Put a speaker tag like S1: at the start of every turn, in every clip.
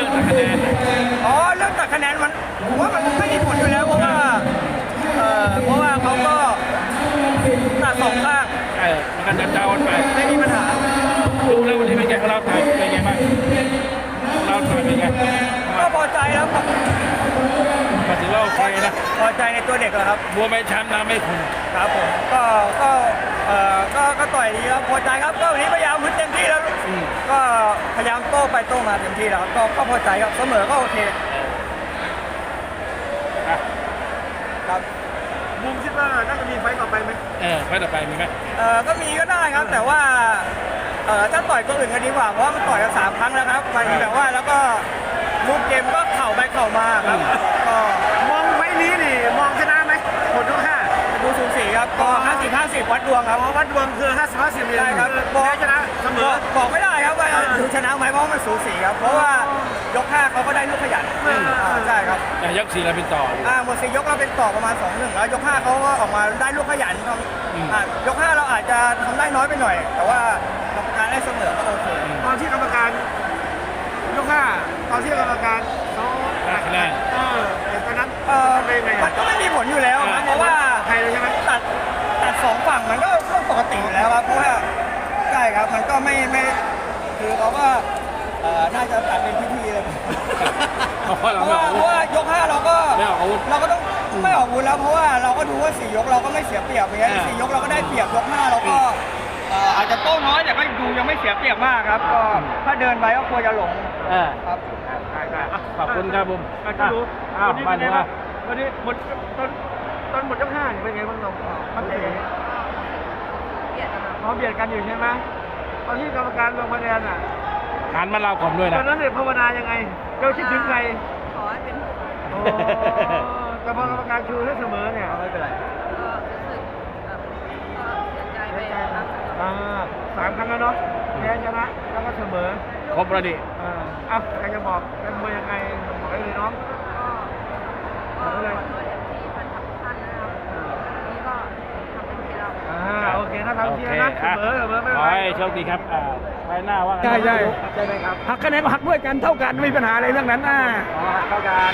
S1: รื่องตัดคะแนน
S2: อ๋อเรื่องตัดคะแนนมันผมว่ามันไม่มีผลอยู่แล้วเพราะว่าเขาก็ตัดสองข้าง
S1: มันก็จะเจ้ากันไป
S2: ไม่มีปัญหา
S1: ดูแล้ววันนี้เป็นไงเราถ่ายเป็นไงบ้างเราถ่ายเป็นไง
S2: ก็พอใจแล้วครับ
S1: ก็ถือว่าโอเคนะ
S2: พอใจในตัวเด็กแล้วครับ
S1: บัวไม่แชมป์นะไม่คุณ
S2: ครับผมก็ต่อยดีครับพอใจครับก็วันนี้พยายามพึ่งเต็มที่แล้วก็พยายามโต้ไปโต้มาเต็มที่แล้วก็พอใจครับเสมอก็โอเคครับบูมคิดว่าน่าจะมีไฟต่อไปไหม
S1: ไฟต่อไปมีไหม
S2: ก็มีก็ได้ครับแต่ว่าถ้าต่อยตัวอื่นกันดีกว่าเพราะว่ามันต่อยกัน3 ครั้งแล้วครับมันแบบว่าแล้วก็ลูกเกมก็เข่าไปเข่ามาครับก็มองไฟนี้นี่มองชนะไหมหมดทุก5ดูสูสีครับก็50-50วัดดวงครับวัดดวงคือ50-50เลยครับแพ้ชนะเสมอบอกไม่ได้ครับว่าดูชนะไหมเพราะมันสูสีครับเพราะว่ายก5เขาก็ได้ลูกขยันใช่ครับ
S1: ยก4เราเป็นต่อ
S2: หมด4 ยกเราเป็นต่อประมาณ 2-1แล้วยก5เขาก็ออกมาได้ลูกขยันยก5เราอาจจะทำได้น้อยไปหน่อยแต่ว่ากรรมการได้เสมอก็โอเคตอนที่กรรมการยก5ตอนที่กรรมการเขา
S1: คะแนน
S2: ตอนนั้นมันก็ไม่มีผลอยู่แล้วครับเพราะว่าใครเลยใช่ไหมตัด2 ฝั่งมันก็ปกติอยู่แล้วครับเพราะว่าใช่ครับมันก็ไม่คือเขาก็น่าจะตัดเป็นพิธีเลยเพราะว่ายก5เราก็ต้องไม่ออกอาวุธแล้วเพราะว่าเราก็ดูว่า4 ยกเราก็ไม่เสียเปรียบอย่างเงี้ย4 ยกเราก็ได้เปรียบยก5เราก็อาจจะโต้น้อยแต่ก็ดูยังไม่เสียเปรียบมากครับก็ถ้าเดินไปก็กลัวจะหลงครับ
S1: ขอบคุณครับบุ้ม
S2: วันนี้หมดตอนหมดยก5เป็นไงบ้างเรามันเตะเบียดกันอยู่ใช่ไหมตอนที่กรรมการลงคะแนน
S1: หันมาเราก่อนด้วยนะ
S2: ตอนนั้นเนี่ยภาวนายังไงเราคิดถึงใคร
S3: ขอให้เป็น
S2: แต่พอกรรมการชูให้เสมอเนี่ยไม่เป็นไร
S3: ก็รู้สึกก็เสียใจไปครับ
S2: 3 ครั้งแล้วเนาะแพ้ชนะแล้วก็เสมอ
S1: ครบแล้วดิ
S2: ใครจะบอกกันมวยยังไงบอกได้เลยน้อง
S3: ก็เลยที่มันทำท่านนะครับนี่ก็ทำเป็นที่เรา
S2: โอเคนะทำเชียร์นะเสมอไม่เป็นไร
S1: ขอให้โชคดีครับไปหน้าว่า
S2: ใช่ไหมครับหักคะแนนก็หักด้วยกันเท่ากันไม่มีปัญหาอะไรเรื่องนั้นเท่ากัน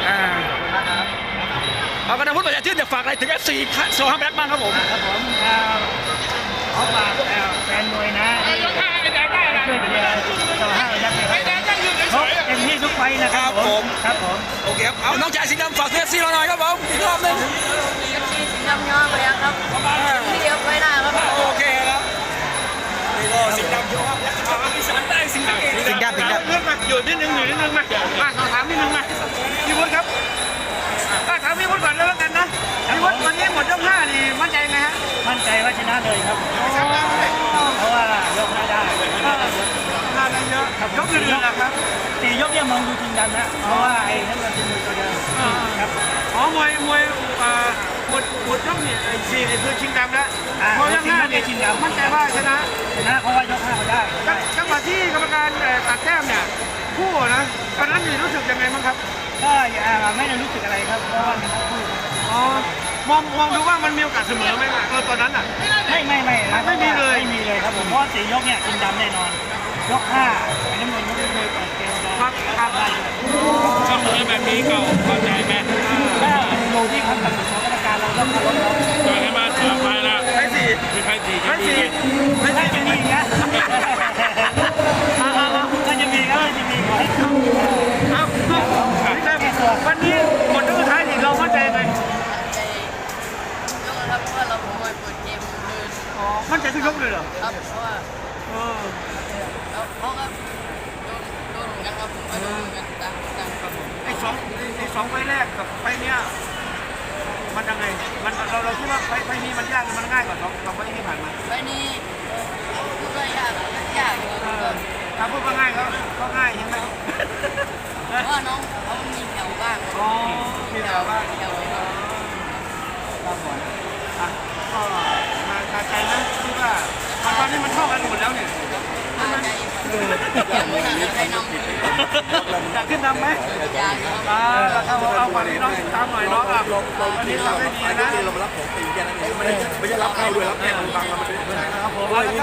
S4: เอากระดาษพุทธประชาชื่นจะฝากอะไรถึง FC โซฮัมแบ็กบ้างครับผม
S2: ขอฝากแฟนมวยนะช่วยเชียร์โซฮัมแบ็กเต็มที่ทุกไฟนะครับผม
S4: โอเคครับเอาน้องชายสีดำฝากเอฟซีเราหน่อยครับผมอีกรอบนึง
S3: สีดำย้อนไปครับที่เดียวไปได้ครับ
S4: โอเคครับนี่ก็สีดำโยครับอีสานได้สีดำเ
S2: รื่องมาอยู่นิดนึงมาขอถามนิดนึงมาพี่วุฒิครับถามพี่วุฒิก่อนแล้วกันนะพี่วุฒิวันนี้หมดยก5นี่มั่นใจไงฮะ
S5: มั่นใจว่าชนะเลยครับเพราะว่ายก5ได้
S2: ได้เยอะยกอื่นๆนะครับ
S5: 4 ยกเนี่ยมองดูจริงจังนะเพราะว่าไอ้นั่นมันเป็นมือตัวเดิมครับ
S2: มวยหมดยกนี่4นี่คือชิงดำแล้วพอยก5นี่
S5: ชิงดำ
S2: มั่นใจว่าชนะ
S5: เพราะว่ายก5เขาได้
S2: จังหวะที่กรรมการตัดแต้มเนี่ยคู่นะตอนนั้นนี่รู้สึกยังไงบ้างครับ
S5: ก็ไม่ได้รู้สึกอะไรครับเพราะว่ามันคู่
S2: มองดูว่ามันมีโอกาสเสมอไหมตอนนั้น
S5: ไม่
S2: มี
S5: เลยครับผมเพราะ4 ยกเนี่ยชิงดำแน่นอนยก5ไอ้น้ำเงินยกมวยเปิดเกม
S2: ครับ
S5: ได้
S1: เสมอแบบนี้ก็พอใจไหม
S5: ถ้าดูที่คำตัดสินของกรรมการเราต้องเคารพเขา
S1: ต่อยให้มาต่อไปนะ
S2: ให้4
S1: ให้4
S5: ถ้าจะมีนะถ้าจะมีก็จะมีขอให้เข้า
S2: วันนี้หมดยกสุดท้ายนี่เรามั่นใจไหม
S3: ยกครับเพราะว่าเรามวยเปิดเกมเลย
S2: มั่นใจทุกยกเลยเหรอ
S3: ครับเพราะว่าเขาก็โดนเหมือนกันครับผมก็โดนเหมือนกันครับผม
S2: ไอ้สองไฟแรกกับไฟเนี้ยมันยังไงเราคิดว่าไฟนี้มันยากหรือมันง่ายกว่า2 ไฟที่ผ่านมา
S3: ไฟนี้ก็ยาก
S2: ถ้าพูดว่าง่ายก็ง่ายใช่ไหม
S3: เพราะว่าน้องเขามีแถวบ้าง
S2: มีแถวบ้าง
S3: ครับผม
S2: ก็มาใจนะที่ว่าตอนนี้มันเท่ากันหมดแล้วเนี่ยอยากขึ้นนำไหมเอาฝั่งนี้น้องตามหน่อยน้องวันนี้ทำได้ดีนะ
S4: เรามารับของตีแค่นั้นเองไม่ใช่รับเข้าด้วยรับแค่ฟังเราไม่ได้